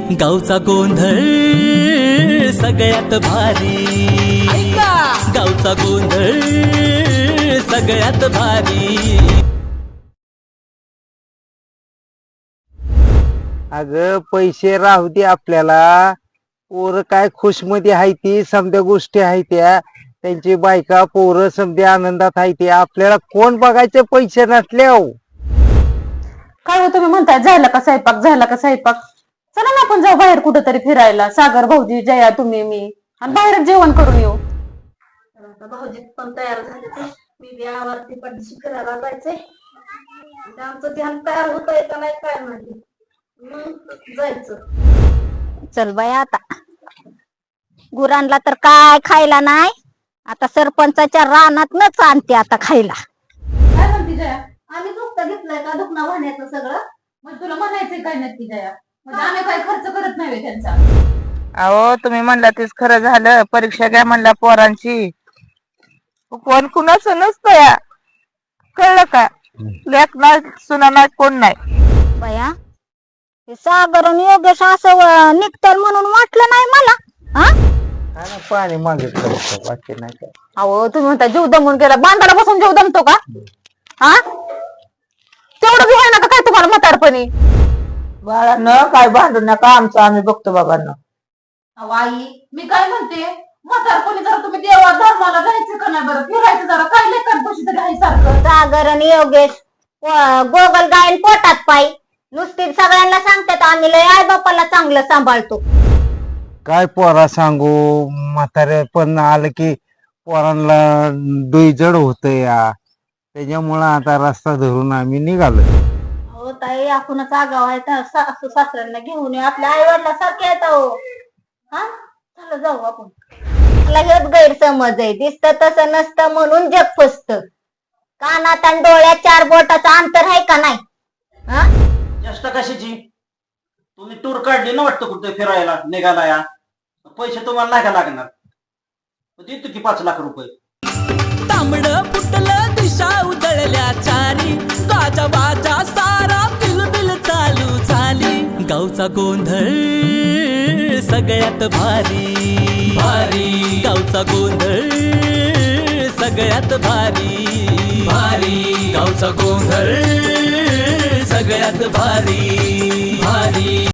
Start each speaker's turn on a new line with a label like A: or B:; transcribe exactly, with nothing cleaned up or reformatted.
A: गावचा गोंधळ सगळ्यात भारी, गावचा गोंधळ सगळ्यात भारी।
B: अगं पैसे राहू दे आपल्याला, पोरं काय खुशमध्ये आहे ती, समध्या गोष्टी आहेत त्या, त्यांची बायका पोरं समध्या आनंदात आहे ते, आपल्याला कोण बघायचे पैसे नसले हो।
C: काय हो तुम्ही म्हणताय झाला का स्वयंपाक, झाला का स्वयंपाक? चला ना आपण जाऊ बाहेर कुठेतरी फिरायला, सागर भाऊजी जया तुम्ही मी, आणि बाहेर जेवण करून येऊ।
D: भाऊजी पण तयार झाले ते, मी बी आवारती पडशी फिरायला जायचंय, आमचं ध्यान तयार होतंय का नाही काय माहिती, मग जायचं।
E: चल बाय आता गुरांना तर काय खायला नाही, आता सरपंचाच्या रानातनच आणते आता खायला।
C: काय म्हणते जया, आम्ही दुखता घेतलंय का दुखणं वाहण्याचं सगळं? मग तुला म्हणायचंय काय नक्की जया, म्हणजे आम्ही काय खर्च करत नाही त्यांचा?
F: अहो तुम्ही म्हणला तेच खरं झालं, परीक्षा घ्या म्हणला पोरांची, कोण कुणाचं नसतं या, कळलं का? लेक नाही सुना नाही कोण नाही
E: बया, हे सागर आणि योगेश असं निघतात म्हणून वाटलं नाही मला। हा
B: पाणी मागितलं बाकी नाही काय।
C: अहो तुम्ही म्हणता जीव दमून गेला, बांधाला बसून जीव दमतो का? हा तेवढं बी आहे ना का काय तुम्हाला म्हातारपणी?
F: बाळांनो काय भांडू नका, आमचं आम्ही बघतो बाबांना।
C: अहो आई मी काय म्हणते, म्हातारपणी जरा तुम्ही देवा धर्माला जायचं का नाही बरं, फिरायचं जरा, काय लेखांपाशी तरी आहे सारखं।
E: सागर आणि योगेश गोगल गायन पोटात पायी नुसती सगळ्यांना सांगतात आम्ही लय आई बापाला चांगलं सांभाळतो।
B: काय पोरा सांगू, म्हातारे पण आलं की पोरांना डोईजड होत या, त्याच्यामुळं आता रस्ता धरून आम्ही निघालो।
C: हो ताई आपणच आगाव आहे, सासू सासऱ्यांना घेऊन येऊ, आपल्या आई वडिला सारखे येत हो। हा चला जाऊ आपण।
E: मला हेच गैरसमज आहे, दिसतं तसं नसतं म्हणून जग फसत। कानात आणि डोळ्यात चार बोटाचं अंतर आहे का नाही? हा
G: चेष्टा कशाची? तुम्ही टूर काढली ना वाटतं कुठे फिरायला निघाला या, पैसे तुम्हाला नाही का लागणार, देतो की पाच लाख रुपये।
A: तांबड फुटलं दिशा उजळल्या चारी, गाजा बाजा सारा बिलबिल चालू झाली। गावचा गोंधळ सगळ्यात भारी, भारी गावचा गोंधळ सगळ्यात भारी, भारी गावचा गोंधळ सगळ्यात भारी, भारी।